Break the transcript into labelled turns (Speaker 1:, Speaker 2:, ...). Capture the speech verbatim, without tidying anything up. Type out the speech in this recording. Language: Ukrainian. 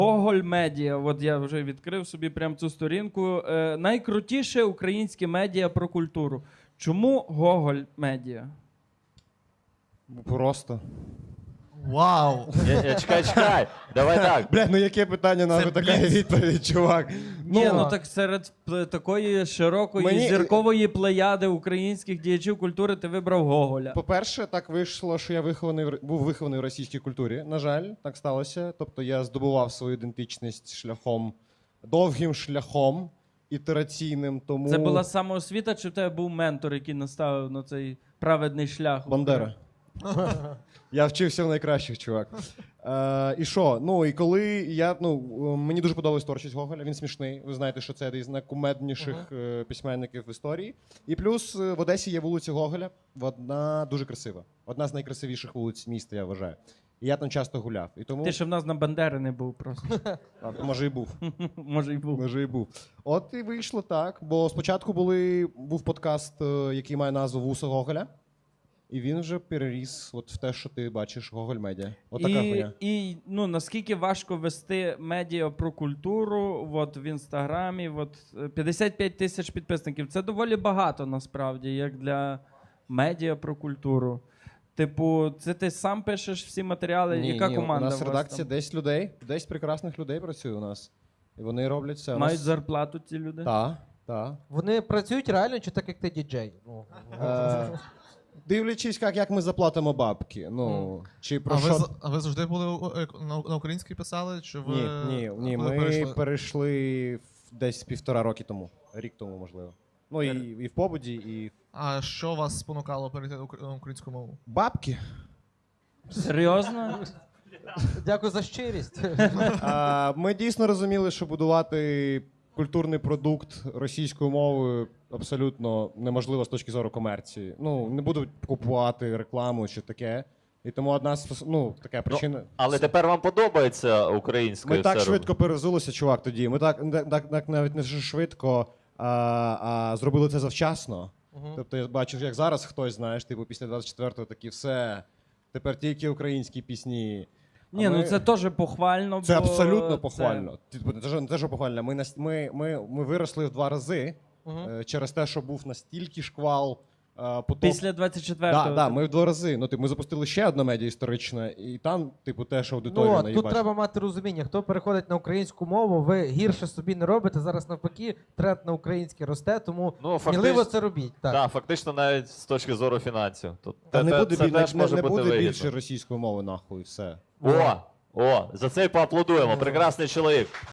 Speaker 1: Гоголь Медіа, от я вже відкрив собі прям цю сторінку. Е, найкрутіше українське медіа про культуру. Чому Гоголь Медіа?
Speaker 2: Просто.
Speaker 3: Вау!
Speaker 4: Я, я, чекай, чекай. Давай так.
Speaker 2: Бля, ну яке питання, нахуй така
Speaker 3: бліц.
Speaker 2: відповідь, чувак.
Speaker 1: Ні, ну так серед пле- такої широкої
Speaker 2: Мені-
Speaker 1: зіркової плеяди українських діячів культури ти вибрав Гоголя.
Speaker 2: По-перше, так вийшло, що я вихований в р- був вихований в російській культурі. На жаль, так сталося. Тобто я здобував свою ідентичність шляхом, довгим шляхом, ітераційним, тому...
Speaker 1: Це була самоосвіта, чи в тебе був ментор, який наставив на цей праведний шлях?
Speaker 2: Бандера. Я вчився в найкращих, чувак. Е, і що? Ну, і коли я, ну, мені дуже подобалась творчість Гоголя, він смішний. Ви знаєте, що це один з найкумедніших е, письменників в історії. І плюс е, в Одесі є вулиця Гоголя, одна дуже красива. Одна з найкрасивіших вулиць міста, я вважаю. І я там часто гуляв. І тому...
Speaker 1: Ти ще в нас на Бандери не був просто.
Speaker 2: А, може і був.
Speaker 1: Може й був.
Speaker 2: Може і був. От і вийшло так. Бо спочатку були, був подкаст, е, який має назву «Вуса Гоголя». І він вже переріс от в те, що ти бачиш Гоголь Медіа. От така
Speaker 1: І,
Speaker 2: хуйня.
Speaker 1: і ну, наскільки важко вести медіа про культуру от, в інстаграмі, от, е, п'ятдесят п'ять тисяч підписників. Це доволі багато насправді, як для медіа про культуру. Типу, це ти сам пишеш всі матеріали?
Speaker 2: Ні,
Speaker 1: Яка
Speaker 2: ні,
Speaker 1: команда?
Speaker 2: у нас
Speaker 1: у вас
Speaker 2: редакція
Speaker 1: там?
Speaker 2: десять людей, десять прекрасних людей працює у нас. І вони роблять все. У
Speaker 1: Мають
Speaker 2: нас...
Speaker 1: зарплату ці люди?
Speaker 2: Так, так.
Speaker 3: Вони працюють реально чи так, як ти діджей? Ну,
Speaker 2: Е, дивлячись, як, як ми заплатимо бабки. Ну, чи про
Speaker 5: А ви,
Speaker 2: що...
Speaker 5: з- а ви завжди були у- е, на, на українській писали? Чи ви
Speaker 2: Ні, ні, ні.
Speaker 5: коли
Speaker 2: Ми
Speaker 5: перейшли?
Speaker 2: перейшли в- десь півтора роки тому. Рік тому, можливо. Ну, і, і в побуді, і...
Speaker 5: А що вас спонукало перейти на укр- на українську мову?
Speaker 2: Бабки.
Speaker 1: Серйозно?
Speaker 3: Дякую за щирість.
Speaker 2: А, ми дійсно розуміли, що будувати культурний продукт російською мовою абсолютно неможливо з точки зору комерції. Ну, не будуть купувати рекламу чи таке. І тому одна з ну, така причина.
Speaker 4: Але тепер вам подобається українською
Speaker 2: Ми так
Speaker 4: все
Speaker 2: швидко перезулися, чувак, тоді. Ми так, так, так навіть не швидко, а, а зробили це завчасно. Тобто я бачу, як зараз хтось, знаєш, типу після двадцять четвертого такі все. Тепер тільки українські пісні. А
Speaker 1: Ні,
Speaker 2: ми-
Speaker 1: ну це теж похвально.
Speaker 2: Це
Speaker 1: бо
Speaker 2: абсолютно
Speaker 1: це-
Speaker 2: похвально. Типу, не те, що- не те, що похвально. Ми, нас- ми, ми, ми виросли в два рази е, через те, що був настільки шквал е, поток.
Speaker 1: Після двадцять четвертого.
Speaker 2: Да, да, ми в два рази. Ну, типу, ми запустили ще одне медіа історичне, і там, типу, теж аудиторія
Speaker 3: Ну,
Speaker 2: на
Speaker 3: от,
Speaker 2: її
Speaker 3: тут
Speaker 2: бачить.
Speaker 3: треба мати розуміння. Хто переходить на українську мову, ви гірше собі не робите. Зараз навпаки, тренд на українське росте, тому
Speaker 4: Ну,
Speaker 3: сміливо
Speaker 4: фактично,
Speaker 3: це робіть. Так.
Speaker 4: да, фактично навіть з точки зору фінансів. Тут
Speaker 2: Та
Speaker 4: те-
Speaker 2: не
Speaker 4: те-
Speaker 2: буде,
Speaker 4: це
Speaker 2: біль-
Speaker 4: теж
Speaker 2: не,
Speaker 4: може
Speaker 2: не
Speaker 4: бути
Speaker 2: буде
Speaker 4: вигідно.
Speaker 2: більше російської мови, нахуй, все.
Speaker 4: О, о, за це й поаплодуємо. Прекрасний чоловік.